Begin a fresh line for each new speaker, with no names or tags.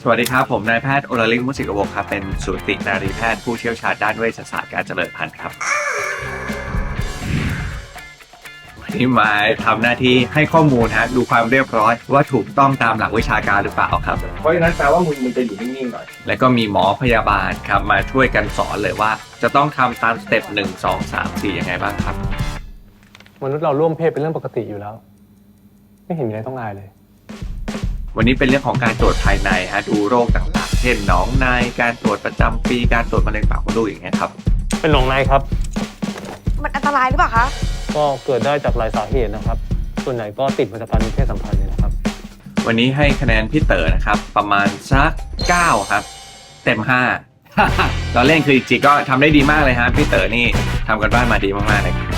สวัสดีครับผมนายแพทย์โอลลิงมุสิกวงศ์ครับเป็นสูตินารีแพทย์ผู้เชี่ยวชาญด้านเวชศาสตร์การเจริญพันธุ์ครับวันนี้มาทำหน้าที่ให้ข้อมูลดูความเรียบร้อยว่าถูกต้องตามหลักวิชาการหรือเปล่าครับ
เพราะฉะนั้นแปลว่ามึงจะอยู่นิ่งๆหน่อย
แล้วก็มีหมอพยาบาลครับมาช่วยกันสอนเลยว่าจะต้องทำตามสเต็ป1 2 3 4ยังไงบ้างครับ
มนุษย์เราร่วมเพศเป็นเรื่องปกติอยู่แล้ว ไม่เห็นมีอะไรต้องอายเลย
วันนี้เป็นเรื่องของการตรวจภายในดูโรคต่างๆเช่นหนองในการตรวจประจำปีการตรวจมะเร็งปากมดลูกอย่างเงี้ยครับ
เป็นหนองในครับ
มันอันตรายหรือเปล่าคะ
ก็เกิดได้จากหลายสาเหตุนะครับ ส่วนใหญ่ก็ติดมาจากการมีเพศสัมพันธ์เนี่ยนะครับ
วันนี้ให้คะแนนพี่เต๋อนะครับประมาณสัก9ครับเต็ม5 เราเล่นคือจริงๆก็ทำได้ดีมากเลยฮะพี่เต๋อนี่ทำกันบ้านมาดีมากๆเลย